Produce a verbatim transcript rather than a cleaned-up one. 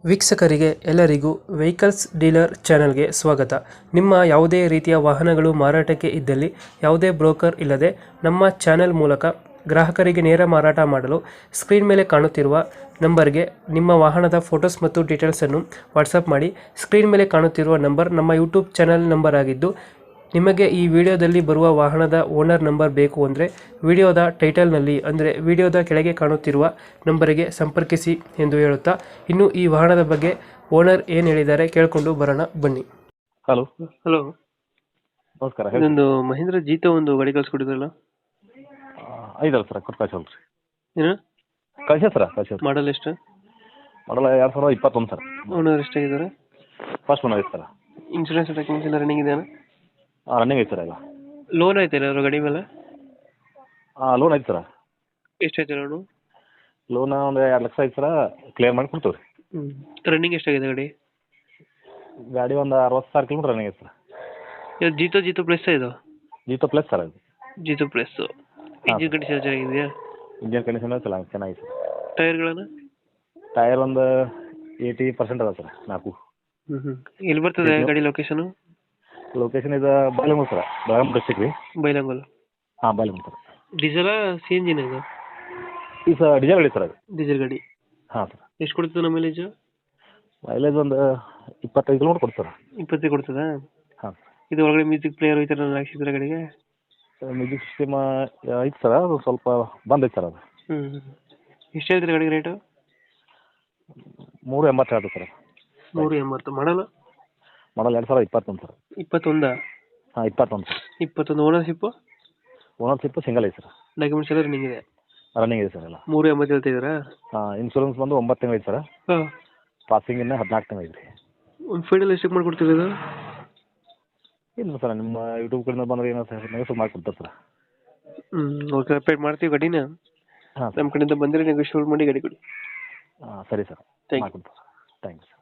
ವೀಕ್ಷಕರಿಗೆ ಎಲ್ಲರಿಗೂ vehicles dealer ಚಾನೆಲ್ಗೆ ಸ್ವಾಗತ. ನಿಮ್ಮ ಯಾವುದೇ ರೀತಿಯ ವಾಹನಗಳು ಮಾರಾಟಕ್ಕೆ ಇದ್ದಲ್ಲಿ ಯಾವುದೇ ಬ್ರೋಕರ್ ಇಲ್ಲದೆ ನಮ್ಮ ಚಾನೆಲ್ ಮೂಲಕ ಗ್ರಾಹಕರಿಗೆ ನೇರ ಮಾರಾಟ ಮಾಡಲು ಸ್ಕ್ರೀನ್ ಮೇಲೆ ಕಾಣುತ್ತಿರುವ ನಂಬರ್ಗೆ ನಿಮ್ಮ ವಾಹನದ ಫೋಟೋಸ್ ಮತ್ತು ಡೀಟೇಲ್ಸನ್ನು ವಾಟ್ಸಪ್ ಮಾಡಿ. ಸ್ಕ್ರೀನ್ ಮೇಲೆ ಕಾಣುತ್ತಿರುವ ನಂಬರ್ ನಮ್ಮ ಯೂಟ್ಯೂಬ್ ಚಾನೆಲ್ ನಂಬರ್ ಆಗಿದ್ದು, ನಿಮಗೆ ಈ ವಿಡಿಯೋದಲ್ಲಿ ಬರುವ ವಾಹನದ ಓನರ್ ನಂಬರ್ ಬೇಕು ಅಂದರೆ ವಿಡಿಯೋದ ಟೈಟಲ್ನಲ್ಲಿ ಅಂದರೆ ವಿಡಿಯೋದ ಕೆಳಗೆ ಕಾಣುತ್ತಿರುವ ನಂಬರಿಗೆ ಸಂಪರ್ಕಿಸಿ ಎಂದು ಹೇಳುತ್ತಾ, ಇನ್ನು ಈ ವಾಹನದ ಬಗ್ಗೆ ಓನರ್ ಏನು ಹೇಳಿದ್ದಾರೆ ಕೇಳಿಕೊಂಡು ಬರೋಣ ಬನ್ನಿ. ಹಲೋ ಹಲೋ, ನಮಸ್ಕಾರ ಹೇಳಿ. ಇದೊಂದು ಮಹೇಂದ್ರ ಜೀತ ಒಂದು ಗಾಡಿ ಕಳ್ಸಿಕೊಟ್ಟಿದ್ರಲ್ಲ, ಐದಲ್ಲ ಸರ್ ಕೊಟ್ಟು ಕಳ್ಸಲ್ಲ ರೀ. ಏನು ಕಳ್ಸ ಸರ ಕಳ್ಸ ಮಾಡಲ್ ಎಷ್ಟು? ಮಾಡಲ್ಲ ಎರಡು ಸಾವಿರದ ಇಪ್ಪತ್ತೊಂದು ಸರ್. ಓನರ್ ಎಷ್ಟಾಗಿದ್ದಾರೆ? ಫಸ್ಟ್ ಒನ್ ಐತೆ ಸರ್. ಇನ್ಶೂರೆನ್ಸ್ ಡಾಕ್ಯುಮೆಂಟ್ಸ್ ಎಲ್ಲ ರನ್ನಿಂಗ್ ಇದೆಯಾ? ಹಾಂ ರನ್ನಿಂಗ್ ಐತೆ ಸರ್ ಈಗ. ಲೋನ್ ಆಯ್ತಾ ಅವ್ರ ಗಾಡಿ ಮೇಲೆ? ಹಾಂ ಲೋನ್ ಐತೆ ಸರ್. ಎಷ್ಟಾಯ್ತು ಲೋನು? ಲೋನ್ ಒಂದು ಎರಡು ಲಕ್ಷ ಐತೆ ಸರ, ಕ್ಲಿಯರ್ ಮಾಡಿ ಕೊಡ್ತೀವಿ ರೀ. ಹ್ಞೂ ರನ್ನಿಂಗ್ ಎಷ್ಟಾಗಿದೆ ಗಾಡಿ? ಗಾಡಿ ಒಂದು ಅರವತ್ತು ಸಾವಿರ ಕಿಲೋಮೀಟ್ರ್ ರನ್ನಿಂಗ್ ಐತೆ ಸರ್. ಇದು ಜೀತೋ ಜೀತೋ ಪ್ಲಸ್ ಇದು? ಜೀತೋ ಪ್ಲಸ್ ಸರ್ ಅದು. ಜೀತೋ ಪ್ಲಸ್. ಇಂಜಿನ್ ಕಂಡೀಷನ್ ಚೆನ್ನಾಗಿದೆಯಾ? ಇಂಜಿನ್ ಕಂಡೀಷನ್ ಚೆನ್ನಾಗಿ ಚೆನ್ನಾಗಿದೆ ಸರ್. ಟೈರ್ಗಳನ್ನು? ಟೈರ್ ಒಂದು ಏಯ್ಟಿ ಪರ್ಸೆಂಟ್ ಅದ ಸರ್, ನಾಲ್ಕು. ಹ್ಞೂ ಹ್ಞೂ ಎಲ್ಲಿ ಬರ್ತದೆ ಗಾಡಿ ಲೊಕೇಶನು? ಲೊಕೇಶನ್ ಇದು ಬಾಲೆಮೂರು ಸರ್, ಬೆಳಗಾಂ ಡಿಸ್ಟಿಕ್ ರೀ. ಬೈಲಂಗಲ್? ಹಾಂ ಬಾಲೆಮೂರು ಸರ್. ಡೀಸೆಲಾ ಸಿ ಎಂಜಿನ್ ಇದು? ಈ ಸರ್ ಡೀಸೆಲ್ ಗಾಡಿ ಸರ್ ಅದು. ಡೀಸೆಲ್ ಗಾಡಿ. ಹಾಂ ಸರ್. ಎಷ್ಟು ಕೊಡ್ತದೆ ನಮ್ಮ ಮೈಲೇಜು? ಮೈಲೇಜ್ ಒಂದು ಇಪ್ಪತ್ತೈದು ಕಿಲೋಮೀಟ್ರ್ ಕೊಡ್ತಾರೆ. ಇಪ್ಪತ್ತೈದು ಕೊಡ್ತದಾ? ಹಾಂ. ಇದು ಒಳಗಡೆ ಮ್ಯೂಸಿಕ್ ಪ್ಲೇಯರ್ ಈ ಥರ ಹಾಕ್ಸಿದ್ರೆ ಗಾಡಿಗೆ? ಮ್ಯೂಸಿಕ್ ಸಿಸ್ಟಮ್ ಐತೆ ಸರ್, ಅದು ಸ್ವಲ್ಪ ಬಂದೈತೆ ಸರ್ ಅದು. ಹ್ಞೂ ಎಷ್ಟು ಹೇಳ್ತೀರಿ ಗಾಡಿಗೆ ರೇಟು? ಮೂರು ಎಂಬತ್ತು ಹೇಳ್ತೀವಿ ಸರ್. ನೂರು ಎಂಬತ್ತು. ಮಾಡಲ್ಲ? ಮಾಡಲ್ ಎರಡು ಸಾವಿರದ ಇಪ್ಪತ್ತೊಂದು ಸರ್. ಇಪ್ಪತ್ತೊಂದಾ? ಹಾಂ ಇಪ್ಪತ್ತೊಂದು ಸರ್. ಇಪ್ಪತ್ತೊಂದು. ಓನರ್ಶಿಪ್ಪು? ಓನರ್ಶಿಪ್ಪು ಸಿಂಗಲ್ ಐತೆ ಸರ್. ಡಾಕ್ಯುಮೆಂಟ್ಸ್ ಎಲ್ಲ ರನ್ನಿಂಗ್ ಇದೆ? ರನ್ನಿಂಗ್ ಇದೆ ಸರ್ ಎಲ್ಲ. ಮೂರು ಎಂಬತ್ತು ಹೇಳ್ತಿದ್ದೀರಾ? ಹಾಂ ಇನ್ಶೂರೆನ್ಸ್ ಬಂದು ಒಂಬತ್ತು ತಿಂಗಳು ಐತೆ ಸರ್. ಹಾಂ. ಪಾಸಿಂಗ್ ಇನ್ನೂ ಹದಿನಾಲ್ಕು ತಿಂಗಳು ಐತೆ ರೀ. ಒಂದು ಫೈನಲ್ ಎಷ್ಟಕ್ಕೆ ಮಾಡಿಕೊಡ್ತೀರಿ ಇದು? ಇಲ್ಲ ಸರ್, ನಿಮ್ಮ ಯೂಟ್ಯೂಬ್ ಕಡೆಯಿಂದ ಬಂದರೆ ಏನೋ ಸರ್ ನೆಗೋಸಿಯೇಟ್ ಮಾಡಿಕೊಡ್ತಾರೆ ಸರ್. ಹ್ಞೂ ಓಕೆ, ಅಪ್ಡೇಟ್ ಮಾಡ್ತೀವಿ ಗಾಡಿನ. ಹಾಂ ನಮ್ಮ ಕಡೆಯಿಂದ ಬಂದರೆ ನೆಗೋಶಿಯೇಟ್ ಮಾಡಿ ಗಾಡಿ ಕೊಡಿ. ಹಾಂ ಸರಿ ಸರ್, ಥ್ಯಾಂಕ್ ಯು. ಮಾಡಿಕೊಡ್ತಾರೆ. ಥ್ಯಾಂಕ್ಸ್.